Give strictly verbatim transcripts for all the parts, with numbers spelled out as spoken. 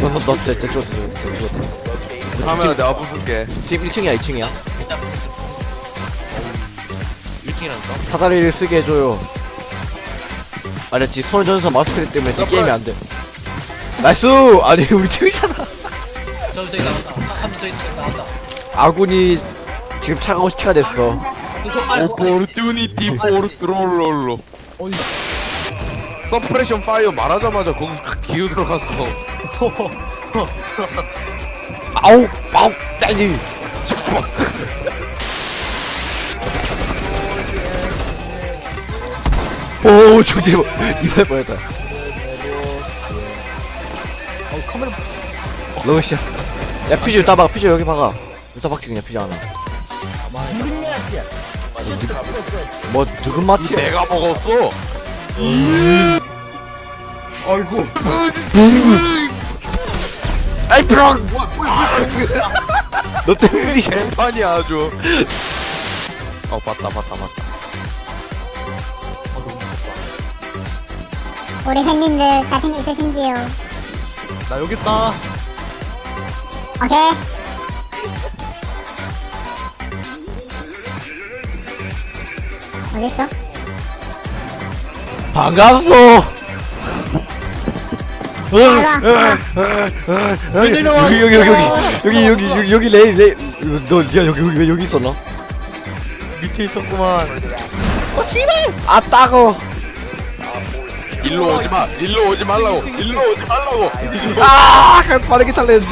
너 진짜 진짜 죽었다 죽었다 죽었다. 카메라 내가 부술게. 지금 일 층이야 이 층이야. 일 층이라니까? 사다리를 쓰게 해줘요. 알았지? 손전선 마스터리 때문에 지금 게임이 안 돼. 나이스! 아니 우리 층이잖아. 저 저기 나왔다. 한 저기 나왔다. 아군이 지금 차가워 시차가 됐어. 이거 빨고. 오포르투니티 포르트롤롤로. 어디? 서프레션 파이어 말하자마자 거기 탁 기어 들어갔어. 아우! 아우! 딸기! 오 저기 이발 뻔했다. 어 카메라 러시아. 야 퓨즈 따 박아. 퓨즈 여기 박아. 여기다 박지 그냥 퓨즈 하나. 뭐 누군 마치? 내가 먹었어. 아이고. 아이 프랑. 너 때문이. 개판이야 아주. 어 봤다 봤다 봤다. 우리 팬님들 자신 있으신지요? 나 여기 있다. 오케이. 어딨어? 반갑소. 여기 여기 여기 여기 여기 여기 여기 여기 레이 레이 너 니가 여기 여기 왜 여기 있었나? 밑에 있었구만. 아 따고. 일로 오지 마. 일로 오지 말라고. 일로 오지 말라고. 일로. 아 그냥 빠르게 탈랬는데.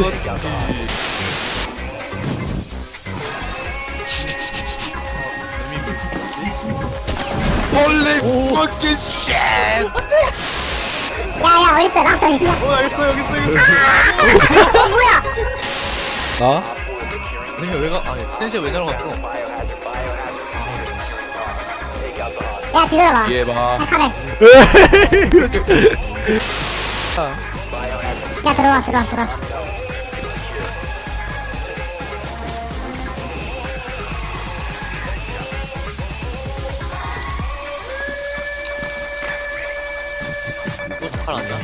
홀리 fucking shit. 야야 어딨어? 락서 있냐? 어 여기 있어 여기 있어 여기 있어. 어 뭐야? 나? 근데 왜 가? 아니 텐시가 왜 날아갔어? 야 뒤돌아봐. 얘 봐. 야 카메. 야 들어와 들어와 들어와. 또 sakal 아니야?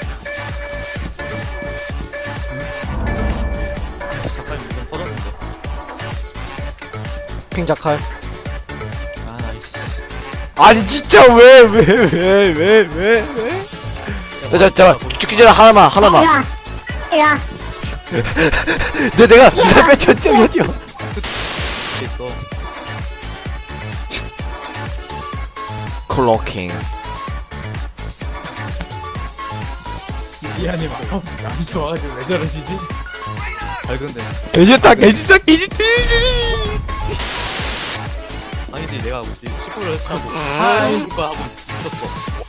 sakal 무슨 터졌는데? 핑자칼. 아 나이스. 아니 진짜 왜 왜 왜 왜 왜 왜? 자, 자, 죽기 전에 하나만 하나만. 일로와. 일로와. 내 내가 이살 뺐죠 뛰어 뛰어. 있어. 클로킹. 미안해 막 나한테 와가지고 왜 저러시지? 밝은데. 개지다 개지다 개지티. 아니지 내가 무슨 시골을 차고 하이브가 하고 있었어.